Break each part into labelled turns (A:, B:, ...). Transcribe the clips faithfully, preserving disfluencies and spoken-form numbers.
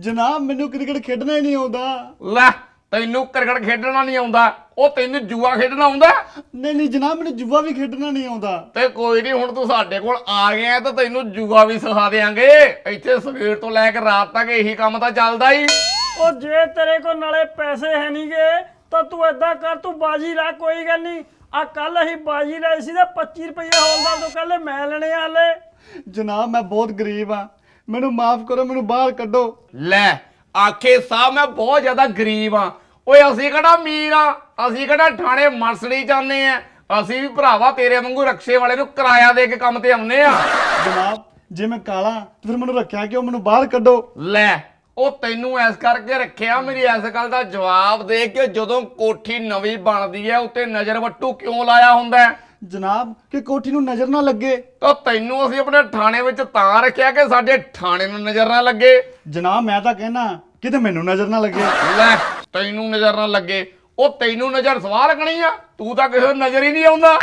A: ਜਨਾਬ ਮੈਨੂੰ ਕ੍ਰਿਕਟ ਖੇਡਣਾ ਹੀ ਨਹੀਂ ਆਉਂਦਾ।
B: ਲੈ ਤੈਨੂੰ ਕ੍ਰਿਕਟ ਖੇਡਣਾ ਨਹੀਂ ਆਉਂਦਾ, ਉਹ ਤੈਨੂੰ ਜੂਆ ਖੇਡਣਾ ਆਉਂਦਾ?
A: ਨਹੀਂ ਨਹੀਂ ਜਨਾਬ ਮੈਨੂੰ ਜੂਆ ਵੀ ਖੇਡਣਾ ਨਹੀਂ ਆਉਂਦਾ।
B: ਤੇ ਕੋਈ ਨਹੀਂ, ਹੁਣ ਤੂੰ ਸਾਡੇ ਕੋਲ ਆ ਗਿਆ ਤਾਂ ਤੈਨੂੰ ਜੂਆ ਵੀ ਸਿਖਾ ਦੇਾਂਗੇ। ਇੱਥੇ ਸਵੇਰ ਤੋਂ ਲੈ ਕੇ ਰਾਤ ਤੱਕ ਇਹੀ ਕੰਮ ਤਾਂ ਚੱਲਦਾ ਹੀ।
C: ਉਹ ਜੇ ਤੇਰੇ ਕੋਲ ਨਾਲੇ ਪੈਸੇ ਹੈ ਨਹੀਂਗੇ ਤਾਂ ਤੂੰ ਏਦਾਂ ਕਰ, ਤੂੰ ਬਾਜੀ ਲਾ, ਕੋਈ ਗੱਲ ਨਹੀਂ। ਆ ਕੱਲ ਅਸੀਂ ਬਾਜੀ ਲਈ ਸੀ ਤਾਂ ਪੱਚੀ ਰੁਪਏ ਹੌਲਦਾਰ ਤੋਂ ਕੱਲੇ ਮੈਂ ਲੈਣੇ ਹਾਲੇ।
A: ਜਨਾਬ ਮੈਂ ਬਹੁਤ ਗਰੀਬ ਆ, ਮੈਨੂੰ ਮਾਫ ਕਰੋ, ਮੈਨੂੰ ਬਾਹਰ ਕੱਢੋ।
B: ਲੈ ਆਖੇ ਸਾਹਿਬ ਮੈਂ ਬਹੁਤ ਜ਼ਿਆਦਾ ਗਰੀਬ ਆ। ਓਏ ਅਸੀਂ ਕਿਹੜਾ ਅਮੀਰ ਆ, ਅਸੀਂ ਕਿਹੜਾ ਥਾਣੇ ਮਰਸੜੀ ਜਾਂਦੇ ਆ। ਅਸੀਂ ਵੀ ਭਰਾਵਾ ਤੇਰੇ ਵਾਂਗੂ ਰਕਸ਼ੇ ਵਾਲੇ ਨੂੰ ਕਿਰਾਇਆ ਦੇ ਕੇ ਕੰਮ ਤੇ ਆਉਂਦੇ ਆ।
A: ਜਨਾਬ ਜੇ ਮੈਂ ਕਾਲਾ ਤੇ ਫਿਰ ਮੈਨੂੰ ਰੱਖਿਆ ਕਿਉਂ, ਮੈਨੂੰ ਬਾਹਰ ਕੱਢੋ।
B: ਲੈ ਉਹ ਤੈਨੂੰ ਐਸ ਕਰਕੇ ਰੱਖਿਆ, ਮੇਰੀ ਐਸ ਗੱਲ ਦਾ ਜਵਾਬ ਦੇ ਕਿ ਜਦੋਂ ਕੋਠੀ ਨਵੀਂ ਬਣਦੀ ਹੈ ਉੱਤੇ ਨਜ਼ਰ ਵੱਟੂ ਕਿਉਂ ਲਾਇਆ ਹੁੰਦਾ?
A: ਜਨਾਬ ਕਿ ਕੋਠੀ ਨੂੰ ਨਜ਼ਰ ਨਾ ਲੱਗੇ।
B: ਤਾਂ ਤੈਨੂੰ ਅਸੀਂ ਆਪਣੇ ਥਾਣੇ ਵਿੱਚ ਤਾਂ ਰੱਖਿਆ ਕਿ ਸਾਡੇ ਥਾਣੇ ਨੂੰ ਨਜ਼ਰ ਨਾ ਲੱਗੇ।
A: ਜਨਾਬ ਮੈਂ ਤਾਂ ਕਹਿਣਾ ਕਿਤੇ ਮੈਨੂੰ ਨਜ਼ਰ ਨਾ ਲੱਗੇ।
B: ਲੈ ਤੈਨੂੰ ਨਜ਼ਰ ਨਾ ਲੱਗੇ, ਉਹ ਤੈਨੂੰ ਨਜ਼ਰ ਸਵਾਹ ਲੱਗਣੀ ਆ, ਤੂੰ ਤਾਂ ਕਿਸੇ ਨੂੰ ਨਜ਼ਰ ਹੀ ਨਹੀਂ ਆਉਂਦਾ।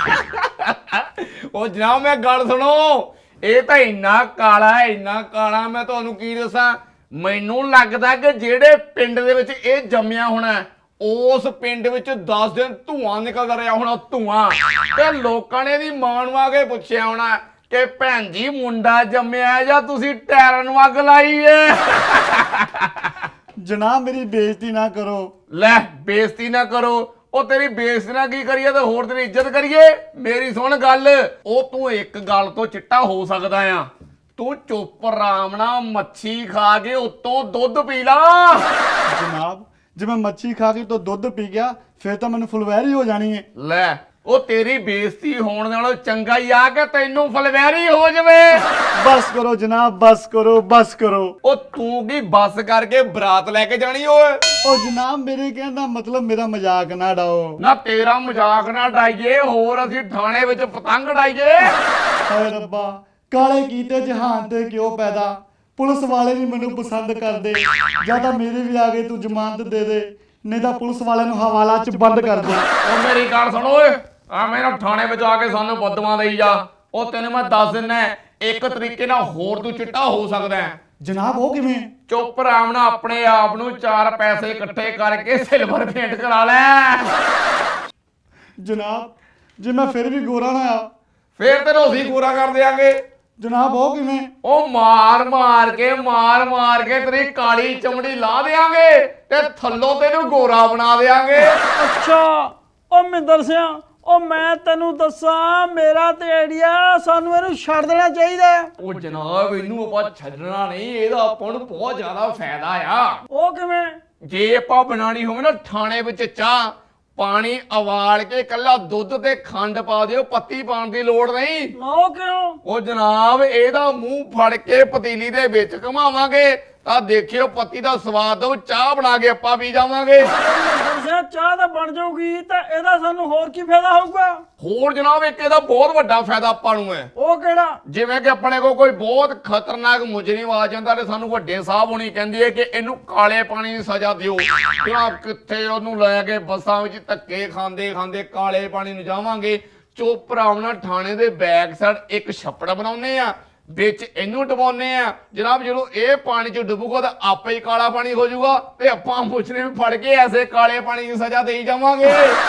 B: ਉਹ ਜਨਾਬ ਮੈਂ ਗੱਲ ਸੁਣੋ, ਇਹ ਤਾਂ ਇੰਨਾ ਕਾਲਾ ਹੈ, ਇੰਨਾ ਕਾਲਾ, ਮੈਂ ਤੁਹਾਨੂੰ ਕੀ ਦੱਸਾਂ। ਮੈਨੂੰ ਲੱਗਦਾ ਕਿ ਜਿਹੜੇ ਪਿੰਡ ਦੇ ਵਿੱਚ ਇਹ ਜੰਮਿਆ ਹੋਣਾ ਉਸ ਪਿੰਡ ਵਿੱਚ ਦਸ ਦਿਨ ਧੂਆਂ ਨਿਕਲਦਾ ਰਿਹਾ ਹੋਣਾ, ਧੂਆਂ। ਤੇ ਲੋਕਾਂ ਨੇ ਇਹਦੀ ਮਾਂ ਨੂੰ ਆ ਕੇ ਪੁੱਛਿਆ ਹੋਣਾ ਕਿ ਭੈਣ ਜੀ ਮੁੰਡਾ ਜੰਮਿਆ ਜਾਂ ਤੁਸੀਂ ਟਾਇਰਾਂ ਨੂੰ ਅੱਗ ਲਾਈ ਏ।
A: ਜਨਾਬ ਮੇਰੀ ਬੇਇੱਜ਼ਤੀ ਨਾ ਕਰੋ।
B: ਲੈ ਬੇਇੱਜ਼ਤੀ ਨਾ ਕਰੋ, ਉਹ ਤੇਰੀ ਬੇਇੱਜ਼ਤੀ ਨਾ ਕੀ ਕਰੀਏ ਤੇ ਹੋਰ ਤੇਰੀ ਇੱਜ਼ਤ ਕਰੀਏ। ਮੇਰੀ ਸੁਣ ਗੱਲ, ਉਹ ਤੂੰ ਇੱਕ ਗੱਲ ਤੋਂ ਚਿੱਟਾ ਹੋ ਸਕਦਾ ਆ। ਤੂੰ ਚੁੱਪ ਆਰਾਮ ਨਾਲ ਮੱਛੀ ਖਾ ਕੇ ਉੱਤੋਂ ਦੁੱਧ ਪੀ ਲਾ।
A: ਜਨਾਬ ਜੇ ਮੈਂ ਮੱਛੀ ਖਾ ਕੇ ਤੋਂ ਦੁੱਧ ਪੀ ਗਿਆ ਫਿਰ ਤਾਂ ਮੈਨੂੰ ਫੁਲਵੈਰੀ ਹੋ ਜਾਣੀ ਹੈ।
B: ਲੈ ਉਹ ਤੇਰੀ ਬੇਇੱਜ਼ਤੀ ਹੋਣ ਨਾਲੋਂ ਚੰਗਾ ਹੀ ਆ ਕਿ ਤੈਨੂੰ ਫਲਵੈਰੀ ਹੋ ਜਾਵੇ।
A: ਬਸ ਕਰੋ ਜਨਾਬ, ਬਸ ਕਰੋ, ਬਸ ਕਰੋ।
B: ਉਹ ਤੂੰ ਕੀ ਬੱਸ ਕਰਕੇ ਬਰਾਤ ਲੈ ਕੇ ਜਾਣੀ ਓਏ?
A: ਉਹ ਜਨਾਬ ਮੇਰੇ ਕਹਿਣ ਦਾ ਮਤਲਬ ਮੇਰਾ ਮਜ਼ਾਕ ਨਾ ਡਾਓ।
B: ਨਾ ਤੇਰਾ ਮਜ਼ਾਕ ਨਾ ਡਾਈਏ, ਹੋਰ ਅਸੀਂ ਥਾਣੇ ਵਿੱਚ ਪਤੰਗ ਡਾਈਏ।
A: ਹਾਏ ਰੱਬਾ ਕਾਲੇ ਕੀਤੇ ਜਹਾਨ ਤੇ ਕਿਉਂ ਪੈਦਾ, ਪੁਲਿਸ ਵਾਲੇ ਵੀ ਮੈਨੂੰ ਪਸੰਦ ਕਰਦੇ। ਜਾਂ ਤਾਂ ਮੇਰੇ ਵੀ ਆ ਗਏ ਤੂੰ ਜ਼ਮਾਨਤ ਦੇ ਦੇ, ਨਹੀਂ ਤਾਂ ਪੁਲਿਸ ਵਾਲਿਆਂ ਨੂੰ ਹਵਾਲਾ 'ਚ ਬੰਦ ਕਰ ਦੇ।
B: ਉਹ ਮੇਰੀ ਗੱਲ ਸੁਣ ਓਏ, ਆ ਮੇਰਾ ਥਾਣੇ ਵਿੱਚ ਆ ਕੇ ਸਾਨੂੰ ਬਦਦੁਆ ਦੇਈ ਜਾ। ਉਹ ਤੈਨੂੰ ਮੈਂ ਦੱਸ ਦਿੰਦਾ ਇੱਕ ਤਰੀਕੇ ਨਾਲ ਹੋਰ ਤੂੰ ਚਿੱਟਾ ਹੋ ਸਕਦਾ ਹੈ।
A: ਜਨਾਬ ਉਹ ਕਿਵੇਂ?
B: ਚੁੱਪ ਆਰਾਮ ਨਾਲ ਆਪਣੇ ਆਪ ਨੂੰ ਚਾਰ ਪੈਸੇ ਇਕੱਠੇ ਕਰਕੇ ਸਿਲਵਰ ਪੇਂਟ ਕਰਾ ਲੈ।
A: ਜਨਾਬ ਜੇ ਮੈਂ ਫਿਰ ਵੀ ਗੋਰਾ ਨਾ ਆ
B: ਫੇਰ ਤੈਨੂੰ ਅਸੀਂ ਗੋਰਾ ਕਰ ਦਿਆਂਗੇ।
A: ਜਨਾਬ ਉਹ ਕਿਵੇਂ?
B: ਉਹ ਮਾਰ ਮਾਰ ਕੇ ਮਾਰ ਮਾਰ ਕੇ ਤੇਰੀ ਕਾਲੀ ਚਮੜੀ ਲਾ ਦੇਾਂਗੇ ਤੇ ਥੱਲੋਂ ਤੈਨੂੰ ਗੋਰਾ ਬਣਾ ਦੇਾਂਗੇ।
C: ਅੱਛਾ ਉਹ ਮਿੰਦਰ ਸਿਆ, ਉਹ ਮੈਂ ਤੈਨੂੰ ਦੱਸਾਂ ਮੇਰਾ ਤੇ ਆਈਡੀਆ, ਸਾਨੂੰ ਇਹਨੂੰ ਛੱਡ ਦੇਣਾ ਚਾਹੀਦਾ।
B: ਉਹ ਜਨਾਬ ਇਹਨੂੰ ਆਪਾਂ ਛੱਡਣਾ ਨਹੀਂ, ਇਹਦਾ ਆਪਾਂ ਨੂੰ ਬਹੁਤ ਜ਼ਿਆਦਾ ਫਾਇਦਾ ਆ।
C: ਉਹ ਕਿਵੇਂ?
B: ਜੇ ਆਪਾਂ ਬਣਾਣੀ ਹੋਵੇ ਨਾ ਥਾਣੇ ਵਿੱਚ ਚਾਹ, ਪਾਣੀ ਉਬਾਲ ਕੇ ਕੱਲਾ ਦੁੱਧ ਤੇ ਖੰਡ ਪਾ ਦਿਓ, ਪੱਤੀ ਪਾਉਣ ਦੀ ਲੋੜ ਨਹੀਂ।
C: ਨਾ ਕਿਉਂ? ਉਹ
B: ਜਨਾਬ ਇਹਦਾ ਮੂੰਹ ਫੜ ਕੇ ਪਤੀਲੀ ਦੇ ਵਿੱਚ ਘੁਮਾਵਾਂਗੇ ਤਾਂ ਦੇਖਿਓ ਪੱਤੀ ਦਾ ਸਵਾਦ ਉਹ ਚਾਹ ਬਣਾ ਕੇ ਆਪਾਂ ਪੀ ਜਾਵਾਂਗੇ।
C: ਦੱਸਿਆ ਚਾਹ ਤਾਂ ਬਣ ਜਾਊਗੀ ਤਾਂ ਇਹਦਾ ਸਾਨੂੰ ਹੋਰ ਕੀ ਫਾਇਦਾ ਹੋਊਗਾ?
B: ਹੋਰ ਜਨਾਬ ਇੱਕ ਇਹਦਾ ਬਹੁਤ ਵੱਡਾ ਫਾਇਦਾ ਆਪਾਂ ਨੂੰ ਹੈ।
C: ਉਹ ਕਿਹੜਾ?
B: ਜਿਵੇਂ ਕਿ ਆਪਣੇ ਕੋਲ ਕੋਈ ਬਹੁਤ ਖਤਰਨਾਕ ਮੁਜਰਮ ਆ ਜਾਂਦਾ ਤੇ ਸਾਨੂੰ ਵੱਡੇ ਸਾਹਿਬ ਹੋਣੀ ਕਹਿੰਦੀ ਹੈ ਕਿ ਇਹਨੂੰ ਕਾਲੇ ਪਾਣੀ ਦੀ ਸਜ਼ਾ ਦਿਓ। ਜਨਾਬ ਕਿੱਥੇ ਉਹਨੂੰ ਲੈ ਕੇ ਬੱਸਾਂ ਵਿੱਚ ਧੱਕੇ ਖਾਂਦੇ ਖਾਂਦੇ ਕਾਲੇ ਪਾਣੀ ਨੂੰ ਜਾਵਾਂਗੇ। ਚੁੱਪ ਆਰਾਮ ਨਾਲ ਥਾਣੇ ਦੇ ਬੈਕ ਸਾਈਡ ਇੱਕ ਛੱਪੜ ਬਣਾਉਂਦੇ ਆ, ਵਿੱਚ ਇਹਨੂੰ ਡੁਬਾਉਂਦੇ ਆ। ਜਨਾਬ ਜਦੋਂ ਇਹ ਪਾਣੀ 'ਚ ਡੁੱਬੂਗਾ ਤਾਂ ਆਪੇ ਹੀ ਕਾਲਾ ਪਾਣੀ ਹੋ ਜਾਊਗਾ ਤੇ ਆਪਾਂ ਮੁਜਰਮ ਫੜ ਕੇ ਐਸੇ ਕਾਲੇ ਪਾਣੀ ਦੀ ਸਜ਼ਾ ਦੇਈ ਜਾਵਾਂਗੇ।